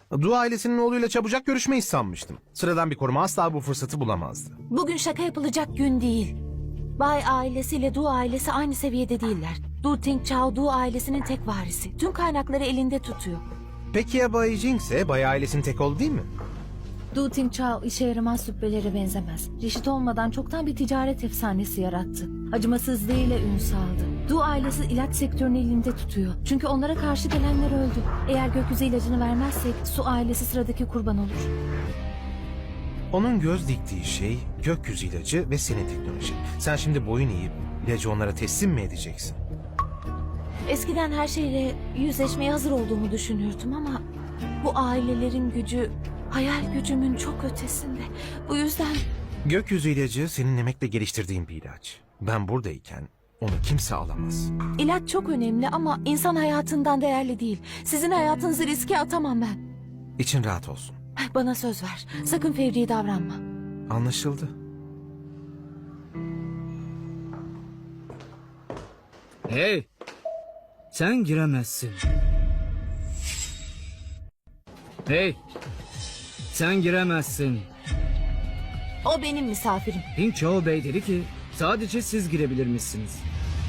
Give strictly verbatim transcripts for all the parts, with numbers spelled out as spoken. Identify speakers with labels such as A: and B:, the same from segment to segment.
A: Du ailesinin oğluyla çabucak görüşmeyi sanmıştım. Sıradan bir koruma asla bu fırsatı bulamazdı.
B: Bugün şaka yapılacak gün değil. Bay ailesiyle Du ailesi aynı seviyede değiller. Du Tingchao Du ailesinin tek varisi. Tüm kaynakları elinde tutuyor.
A: Peki ya Bay Jing ise Bay ailesinin tek oğlu değil mi?
B: Du Tingchao işe yaramaz süppelere benzemez. Reşit olmadan çoktan bir ticaret efsanesi yarattı. Acımasızlığıyla ün saldı. Du ailesi ilaç sektörünü elinde tutuyor. Çünkü onlara karşı gelenler öldü. Eğer gökyüzü ilacını vermezsek Su ailesi sıradaki kurban olur.
A: Onun göz diktiği şey gökyüzü ilacı ve senin teknoloji. Sen şimdi boyun eğip ilacı onlara teslim mi edeceksin?
B: Eskiden her şeyle yüzleşmeye hazır olduğumu düşünürdüm ama bu ailelerin gücü hayal gücümün çok ötesinde. Bu yüzden
A: Gökyüzü ilacı senin emekle geliştirdiğin bir ilaç. Ben buradayken onu kimse alamaz.
B: ilaç çok önemli ama insan hayatından değerli değil. Sizin hayatınızı riske atamam ben.
A: İçin rahat olsun.
B: Bana söz ver. Sakın fevri davranma.
A: Anlaşıldı.
C: Hey! Sen giremezsin. Hey! Sen giremezsin.
B: O benim misafirim.
C: Ping Chao Bey dedi ki sadece siz girebilirmişsiniz.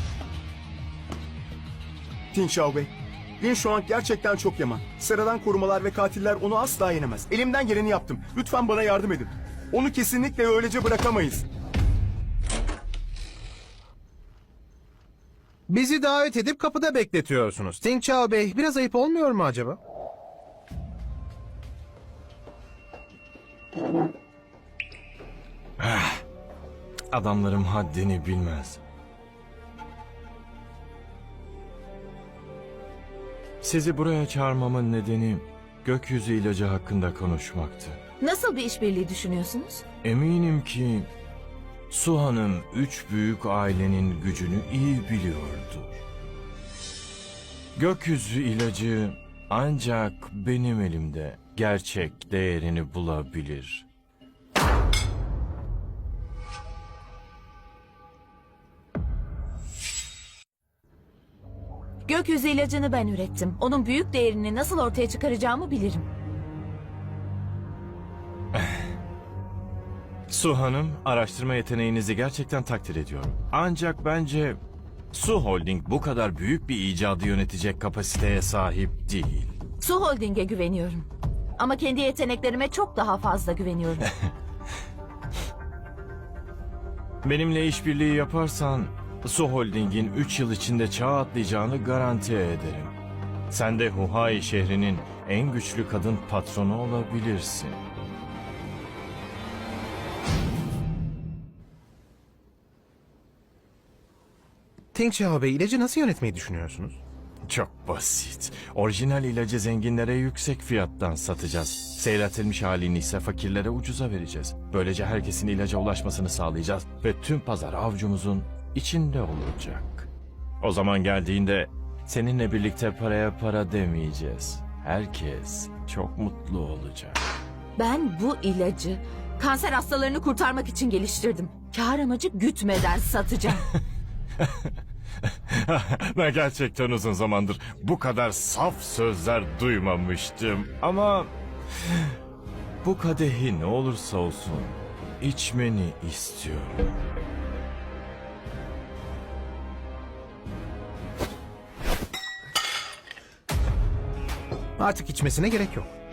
D: Ting Shao Bey, Lin Shuang gerçekten çok yaman. Sıradan korumalar ve katiller onu asla yenemez. Elimden geleni yaptım. Lütfen bana yardım edin. Onu kesinlikle öylece bırakamayız.
A: Bizi davet edip kapıda bekletiyorsunuz. Tingchao Bey, biraz ayıp olmuyor mu acaba?
E: Adamlarım haddini bilmez. Sizi buraya çağırmamın nedeni gökyüzü ilacı hakkında konuşmaktı.
B: Nasıl bir işbirliği düşünüyorsunuz?
E: Eminim ki Su Hanım üç büyük ailenin gücünü iyi biliyordur. Gökyüzü ilacı ancak benim elimde gerçek değerini bulabilir.
B: Gökyüzü ilacını ben ürettim. Onun büyük değerini nasıl ortaya çıkaracağımı bilirim.
E: Su Hanım, araştırma yeteneğinizi gerçekten takdir ediyorum. Ancak bence Su Holding bu kadar büyük bir icadı yönetecek kapasiteye sahip değil.
B: Su Holding'e güveniyorum. Ama kendi yeteneklerime çok daha fazla güveniyorum.
E: Benimle işbirliği yaparsan Su Holding'in üç yıl içinde çağ atlayacağını garanti ederim. Sen de Huhai şehrinin en güçlü kadın patronu olabilirsin.
A: Tingchao Bey, ilacı nasıl yönetmeyi düşünüyorsunuz?
E: Çok basit. Orijinal ilacı zenginlere yüksek fiyattan satacağız. Seyretilmiş halini ise fakirlere ucuza vereceğiz. Böylece herkesin ilaca ulaşmasını sağlayacağız ve tüm pazar avucumuzun içinde olacak. O zaman geldiğinde seninle birlikte paraya para demeyeceğiz. Herkes çok mutlu olacak.
B: Ben bu ilacı kanser hastalarını kurtarmak için geliştirdim. Kâr amacı gütmeden satacağım.
E: Ben gerçekten uzun zamandır bu kadar saf sözler duymamıştım. Ama bu kadehi ne olursa olsun içmeni istiyorum.
A: Artık içmesine gerek yok.